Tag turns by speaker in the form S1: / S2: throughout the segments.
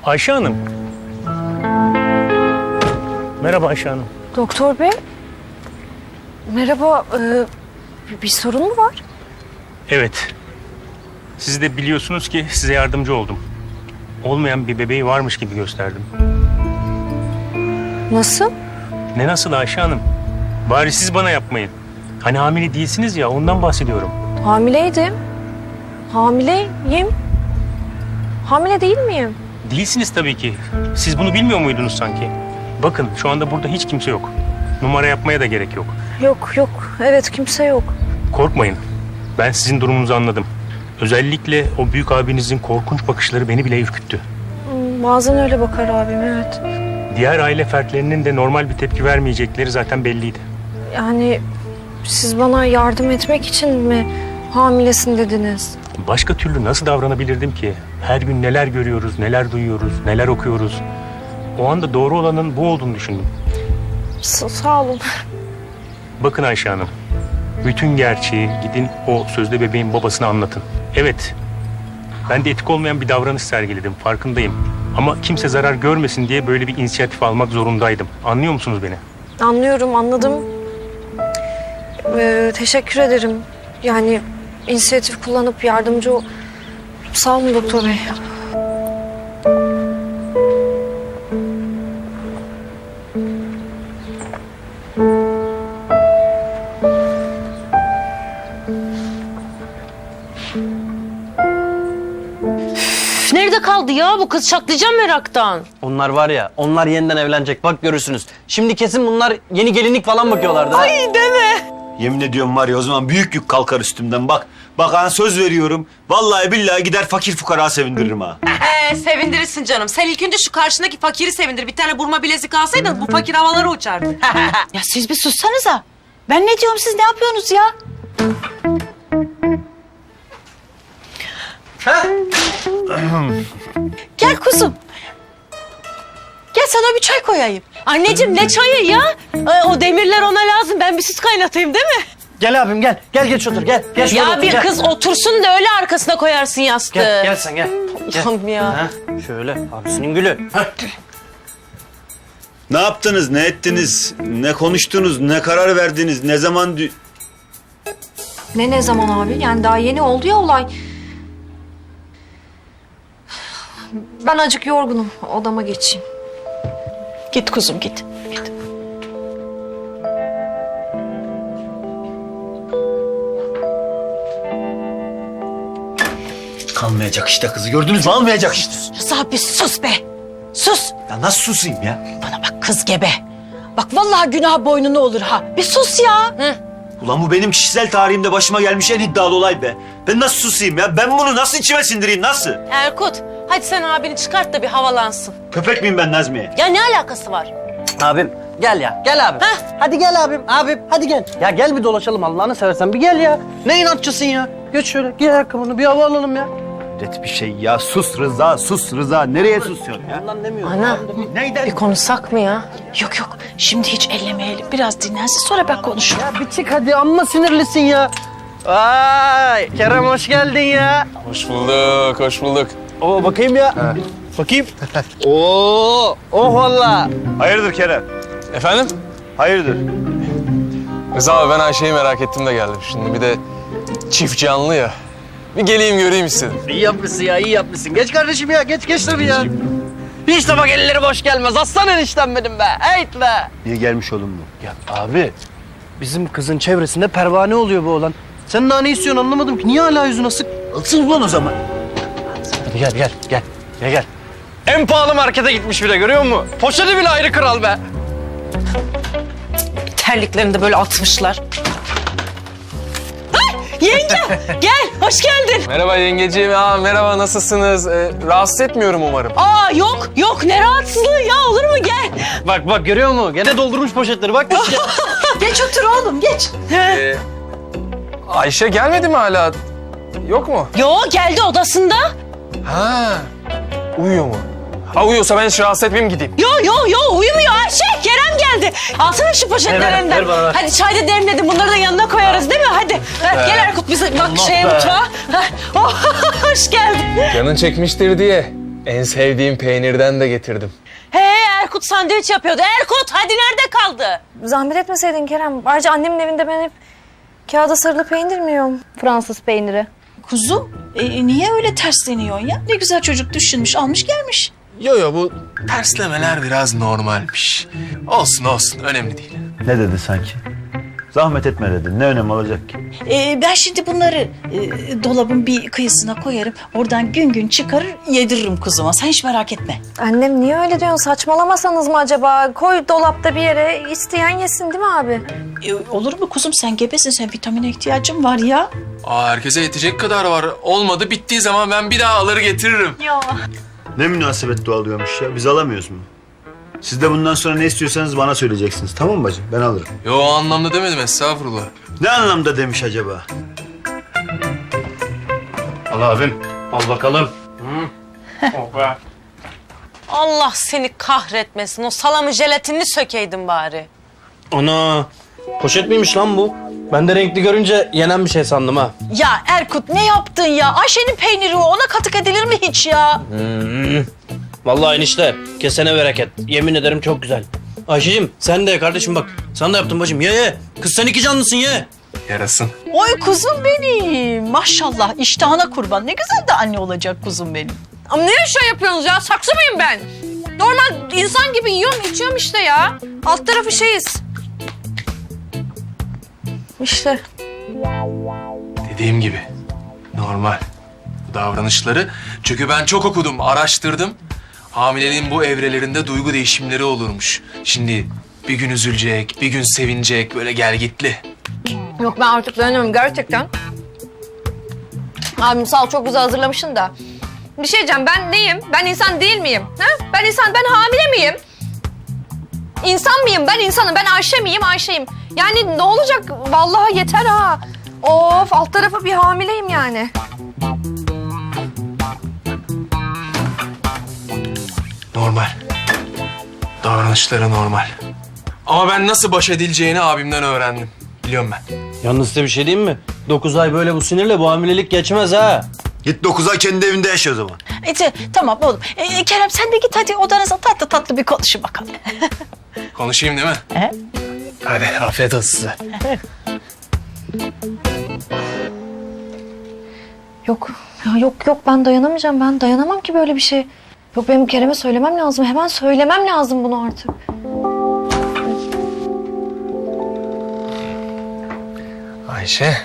S1: Ayşe Hanım. Merhaba Ayşe Hanım.
S2: Doktor bey. Merhaba. Bir sorun mu var?
S1: Evet. Siz de biliyorsunuz ki size yardımcı oldum. Olmayan bir bebeği varmış gibi gösterdim.
S2: Nasıl?
S1: Ne nasıl Ayşe Hanım? Bari siz bana yapmayın. Hani hamile değilsiniz ya, ondan bahsediyorum.
S2: Hamileydim. Hamileyim. Hamile değil miyim?
S1: Değilsiniz tabii ki. Siz bunu bilmiyor muydunuz sanki? Bakın şu anda burada hiç kimse yok. Numara yapmaya da gerek yok.
S2: Yok. Evet, kimse yok.
S1: Korkmayın. Ben sizin durumunuzu anladım. Özellikle o büyük abinizin korkunç bakışları beni bile ürküttü.
S2: Bazen öyle bakar abim, evet.
S1: Diğer aile fertlerinin de normal bir tepki vermeyecekleri zaten belliydi.
S2: Yani siz bana yardım etmek için mi hamilesin dediniz?
S1: Başka türlü nasıl davranabilirdim ki? Her gün neler görüyoruz, neler duyuyoruz, neler okuyoruz. O anda doğru olanın bu olduğunu düşündüm.
S2: Sağ olun.
S1: Bakın Ayşe Hanım, bütün gerçeği gidin o sözde bebeğin babasına anlatın. Evet, ben de etik olmayan bir davranış sergiledim, farkındayım. Ama kimse zarar görmesin diye böyle bir inisiyatif almak zorundaydım. Anlıyor musunuz beni?
S2: Anlıyorum, anladım. Teşekkür ederim. Yani inisiyatif kullanıp yardımcı ol... Sağ olun doktor bey.
S3: Nerede kaldı ya bu kız? Çatlayacağım meraktan.
S4: Onlar var ya, onlar yeniden evlenecek. Bak görürsünüz. Şimdi kesin bunlar yeni gelinlik falan bakıyorlardı.
S3: Ay deme.
S5: Yemin ediyorum var ya, o zaman büyük yük kalkar üstümden bak. Bak ha, söz veriyorum. Vallahi billahi gider fakir fukara sevindiririm ha.
S6: Sevindirirsin canım. Sen ilk önce şu karşındaki fakiri sevindir. Bir tane burma bilezik alsaydın bu fakir havalara uçardı.
S3: Ya siz bir sussanıza. Ben ne diyorum, siz ne yapıyorsunuz ya? Gel kuzum. Gel sana bir çay koyayım. Anneciğim ne çayı ya? O demirler ona lazım. Ben bir süt kaynatayım değil mi?
S4: Gel abim gel. Gel geç otur gel. Gel şurada
S3: Ya
S4: otur,
S3: bir
S4: gel.
S3: kız otursun da öyle arkasına koyarsın yastığı.
S4: Gel sen gel.
S3: Allah'ım ya.
S4: Ha, şöyle abisinin gülü. Ha.
S5: Ne yaptınız, ne ettiniz, ne konuştunuz, ne karar verdiniz, ne zaman...
S2: Ne zaman abi? Yani daha yeni oldu ya olay. Ben acık yorgunum. Odama geçeyim.
S3: Git kuzum git. Git.
S5: Kalmayacak işte kızı, gördünüz mü? Almayacak işte.
S3: Rıza bir sus be. Sus.
S5: Ya nasıl susayım ya?
S3: Bana bak kız gebe. Bak vallahi günah boynuna olur ha. Bir sus ya. Hı.
S5: Ulan bu benim kişisel tarihimde başıma gelmiş en iddialı olay be. Ben nasıl susayım ya? Ben bunu nasıl içime sindireyim, nasıl?
S3: Erkut hadi sen abini çıkart da bir havalansın.
S5: Köpek miyim ben Nazmiye?
S3: Ya ne alakası var?
S4: Abim gel ya. Gel abim.
S3: Heh.
S4: Hadi gel abim. Abim hadi gel. Ya gel bir dolaşalım Allah'ını seversen. Bir gel ya. Ne inatçısın ya. Geç şöyle. Giy ayakkabını bir hava alalım ya.
S5: Ret bir şey ya. Sus Rıza, sus Rıza. Nereye susuyorsun ya?
S4: Ondan demiyorum.
S3: Ana
S5: Neyden?
S3: bir konuşsak mı ya? Yok şimdi hiç ellemeyelim. Biraz dinlensin sonra ben konuşurum.
S4: Ya bir çık hadi, amma sinirlisin ya. Vay Kerem hoş geldin ya.
S7: Hoş bulduk, hoş bulduk.
S4: Oo bakayım ya. Bakayım. Oo, oh valla.
S5: Hayırdır Kerem?
S7: Efendim?
S5: Hayırdır?
S7: Rıza abi ben Ayşe'yi merak ettim de geldim. Şimdi bir de çift canlı ya. Bir geleyim göreyim istedim.
S4: İyi yapmışsın ya, iyi yapmışsın. Geç kardeşim ya, geç tabii ya. Hiç de bak elleri boş gelmez. Aslan eniştem benim be. Eyt be.
S5: Niye gelmiş oğlum bu?
S4: Ya abi, bizim kızın çevresinde pervane oluyor bu oğlan. Sen daha ne istiyorsun anlamadım ki. Niye hala yüzün asık?
S5: Alsın ulan o zaman.
S4: Hadi gel. En pahalı markete gitmiş bir de, görüyor musun? Poşeti bile ayrı kral be.
S3: Terliklerini de böyle atmışlar. Ay, yenge gel hoş geldin.
S7: Merhaba yengeciğim. Merhaba nasılsınız? Rahatsız etmiyorum umarım.
S3: Aa yok ne rahatsızlığı ya, olur mu gel.
S4: Bak görüyor musun? Gene doldurmuş poşetleri bak.
S3: Geç otur oğlum geç.
S7: Ayşe gelmedi mi hala? Yok mu?
S3: Yo geldi odasında.
S7: Ha. Uyuyor mu? Ha uyuyorsa ben hiç rahatsız etmeyeyim gideyim.
S3: Yo uyumuyor Ayşe. Kerem geldi. Alsana şu poşetlerinden.
S4: Ver bana, ver.
S3: Hadi çay da demledim. Bunları da yanına koyarız değil mi? Hadi. Gel Erkut bize bak
S4: Allah
S3: şeye
S4: be.
S3: mutfağa. Oh, hoş geldin.
S7: Canın çekmiştir diye En sevdiğim peynirden de getirdim.
S3: He Erkut sandviç yapıyordu. Erkut hadi nerede kaldı?
S2: Zahmet etmeseydin Kerem. Ayrıca annemin evinde ben hep kağıda sarılı peynir mi yiyorum? Fransız peyniri.
S8: Kuzum, niye öyle tersleniyorsun ya? Ne güzel çocuk düşünmüş, almış gelmiş.
S7: Yo bu terslemeler biraz normalmiş. Olsun önemli değil.
S5: Ne dedi sanki? Zahmet etme dedi. Ne önemi olacak ki?
S8: Ben şimdi bunları dolabın bir kıyısına koyarım. Oradan gün gün çıkarır yediririm kuzuma. Sen hiç merak etme.
S2: Annem niye öyle diyorsun? Saçmalamasanız mı acaba? Koy dolapta bir yere, isteyen yesin değil mi abi?
S8: Olur mu kuzum? Sen gebesin. Sen vitamine ihtiyacın var ya.
S7: Herkese yetecek kadar var. Olmadı bittiği zaman ben bir daha alır getiririm.
S5: Ne münasebet doğalıyormuş ya. Biz alamıyoruz mu? Siz de bundan sonra ne istiyorsanız bana söyleyeceksiniz. Tamam mı bacım? Ben alırım.
S7: Yo o anlamda demedim estağfurullah.
S5: Ne anlamda demiş acaba?
S4: Al abim. Al bakalım.
S3: Allah seni kahretmesin. O salamı jelatinini sökeydin bari.
S4: Ana. Poşet miymiş lan bu? Ben de renkli görünce yenen bir şey sandım ha.
S8: Ya Erkut ne yaptın ya? Ayşe'nin peyniri o. Ona katık edilir mi hiç ya?
S4: Vallahi enişte kesene bereket. Yemin ederim çok güzel. Ayşe'cim sen de kardeşim bak. Sana da yaptım bacım. Ye. Kız sen iki canlısın ye.
S7: Yarasın.
S8: Oy kuzum benim. Maşallah iştahına kurban. Ne güzel de anne olacak kuzum benim.
S2: Ama ne şey yapıyorsunuz ya? Saksı mıyım ben? Normal insan gibi yiyorum, içiyorum işte ya. Alt tarafı şeyiz. İşte.
S7: Dediğim gibi normal bu davranışları. Çünkü ben çok okudum, araştırdım. Hamileliğin bu evrelerinde duygu değişimleri olurmuş. Şimdi bir gün üzülecek, bir gün sevinecek, böyle gelgitli.
S2: Yok ben artık dayanamıyorum gerçekten. Abim sağ ol çok güzel hazırlamışsın da. Bir şey diyeceğim ben neyim? Ben insan değil miyim? Ha? Ben hamile miyim? İnsan mıyım? Ben insanım. Ben Ayşe miyim? Ayşe'yim. Yani ne olacak? Vallahi yeter ha. Of alt tarafı bir hamileyim yani.
S7: Normal. Davranışları normal. Ama ben nasıl baş edileceğini abimden öğrendim. Biliyorum ben.
S4: Yalnız size bir şey diyeyim mi? 9 ay böyle bu sinirle bu hamilelik geçmez ha.
S5: Git 9 ay kendi evinde yaşa o zaman.
S8: Tamam oğlum. Kerem sen de git hadi odanıza tatlı tatlı bir konuşun bakalım.
S7: Konuşayım değil mi?
S8: He?
S7: Hadi afiyet olsun size.
S2: Yok. Ya yok ben dayanamayacağım. Ben dayanamam ki böyle bir şey. Yok benim Kerem'e söylemem lazım. Hemen söylemem lazım bunu artık.
S7: Ayşe.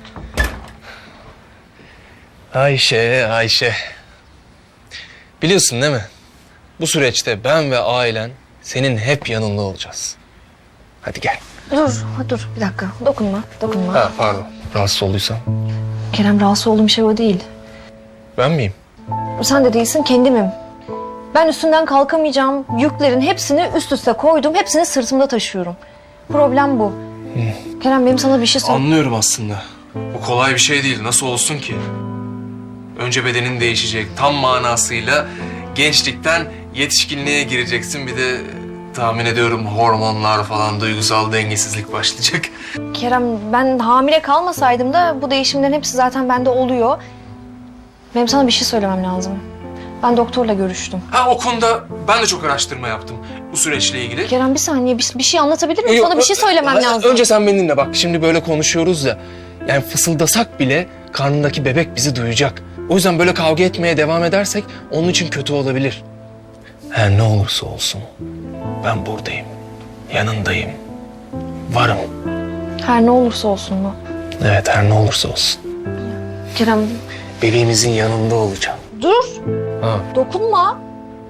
S7: Ayşe. Biliyorsun değil mi? Bu süreçte ben ve ailen senin hep yanında olacağız. Hadi gel.
S2: Dur bir dakika. Dokunma.
S7: Ha pardon. Rahatsız olduysam.
S2: Kerem rahatsız olduğum şey o değil.
S7: Ben miyim?
S2: Sen de değilsin kendimim. Ben üstünden kalkamayacağım yüklerin hepsini üst üste koydum. Hepsini sırtımda taşıyorum. Problem bu. Kerem benim sana bir şey söyle.
S7: Anlıyorum aslında. O kolay bir şey değil. Nasıl olsun ki? Önce bedenin değişecek. Tam manasıyla gençlikten yetişkinliğe gireceksin. Bir de tahmin ediyorum hormonlar falan, duygusal dengesizlik başlayacak.
S2: Kerem ben hamile kalmasaydım da bu değişimlerin hepsi zaten bende oluyor. Benim sana bir şey söylemem lazım. Ben doktorla görüştüm.
S7: Ha o konuda ben de çok araştırma yaptım bu süreçle ilgili.
S2: Kerem bir saniye bir şey anlatabilir miyim? Sana bir şey söylemem lazım.
S7: Önce sen beni dinle bak. Şimdi böyle konuşuyoruz ya. Yani fısıldasak bile karnındaki bebek bizi duyacak. O yüzden böyle kavga etmeye devam edersek onun için kötü olabilir. Her ne olursa olsun ben buradayım. Yanındayım. Varım.
S2: Her ne olursa olsun mu?
S7: Evet her ne olursa olsun.
S2: Kerem
S7: Bebeğimizin yanında olacağım.
S2: dur.
S7: Ha.
S2: Dokunma.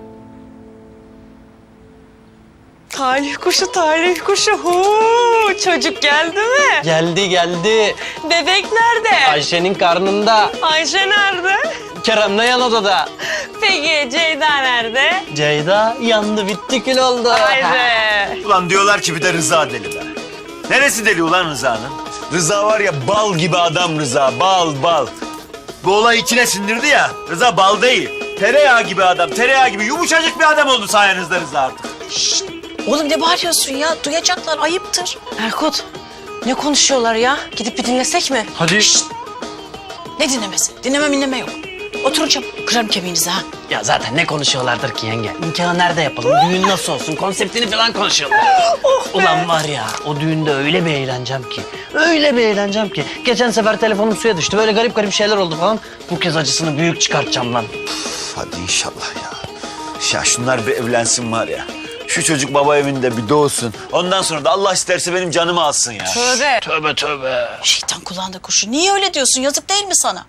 S3: Talih kuşu. Huu, çocuk geldi mi?
S4: Geldi.
S3: Bebek nerede?
S4: Ayşe'nin karnında.
S3: Ayşe nerede?
S4: Kerem de yan odada.
S3: Peki Ceyda nerede?
S4: Ceyda yandı bitti kül oldu.
S3: Haydi.
S5: Ulan diyorlar ki bir de Rıza deli be. Neresi deli ulan Rıza'nın? Rıza var ya bal gibi adam Rıza. Bal. Bu olay içine sindirdi ya. Rıza bal değil. Tereyağı gibi adam. Tereyağı gibi yumuşacık bir adam oldu sayenizde Rıza artık.
S8: Oğlum ne bağırıyorsun ya? Duyacaklar ayıptır.
S3: Erkut, ne konuşuyorlar ya? Gidip bir dinlesek mi?
S4: Hadi.
S8: Ne dinlemesi? Dinleme yok. Oturun çabuk. Kırarım kemiğinizi ha.
S4: Ya zaten ne konuşuyorlardır ki yenge? Nikahı nerede yapalım? Düğün nasıl olsun? Konseptini falan konuşuyorlar. Ulan var ya o düğünde öyle bir eğleneceğim ki. Öyle bir eğleneceğim ki. Geçen sefer telefonum suya düştü. Böyle garip garip şeyler oldu falan. Bu kez acısını büyük çıkartacağım lan.
S5: Hadi inşallah ya. Ya şunlar bir evlensin var ya. Şu çocuk baba evinde bir doğsun. Ondan sonra da Allah isterse benim canımı alsın ya.
S6: Tövbe.
S4: Tövbe tövbe.
S8: Şeytan kulağında kurşun. Niye öyle diyorsun? Yazık değil mi sana?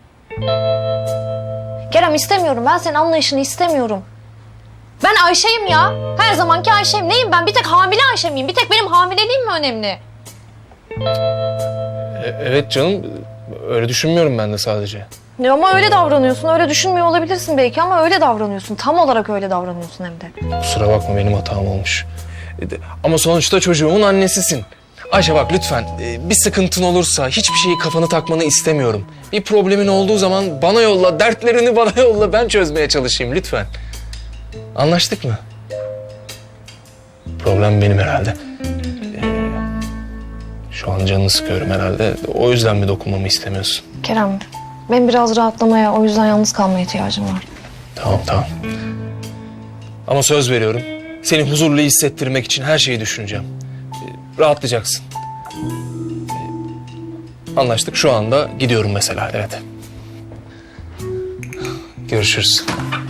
S2: Kerem istemiyorum. Ben senin anlayışını istemiyorum. Ben Ayşe'yim ya. Her zamanki Ayşe'yim. Neyim ben? Bir tek hamile Ayşe miyim? Bir tek benim hamileliğim mi önemli?
S7: Evet canım, öyle düşünmüyorum ben de sadece.
S2: Ya ama öyle davranıyorsun. Öyle düşünmüyor olabilirsin belki ama öyle davranıyorsun. Tam olarak öyle davranıyorsun hem de.
S7: Kusura bakma, benim hatam olmuş. Ama sonuçta çocuğumun annesisin. Ayşe bak lütfen, bir sıkıntın olursa hiçbir şeyi kafanı takmanı istemiyorum. Bir problemin olduğu zaman bana yolla, dertlerini bana yolla, ben çözmeye çalışayım lütfen. Anlaştık mı? Problem benim herhalde. Şu an canını sıkıyorum herhalde. O yüzden mi dokunmamı istemiyorsun?
S2: Kerem, ben biraz rahatlamaya, o yüzden yalnız kalmaya ihtiyacım var.
S7: Tamam. Ama söz veriyorum, seni huzurlu hissettirmek için her şeyi düşüneceğim. Rahatlayacaksın. Anlaştık, şu anda gidiyorum mesela, evet. Görüşürüz.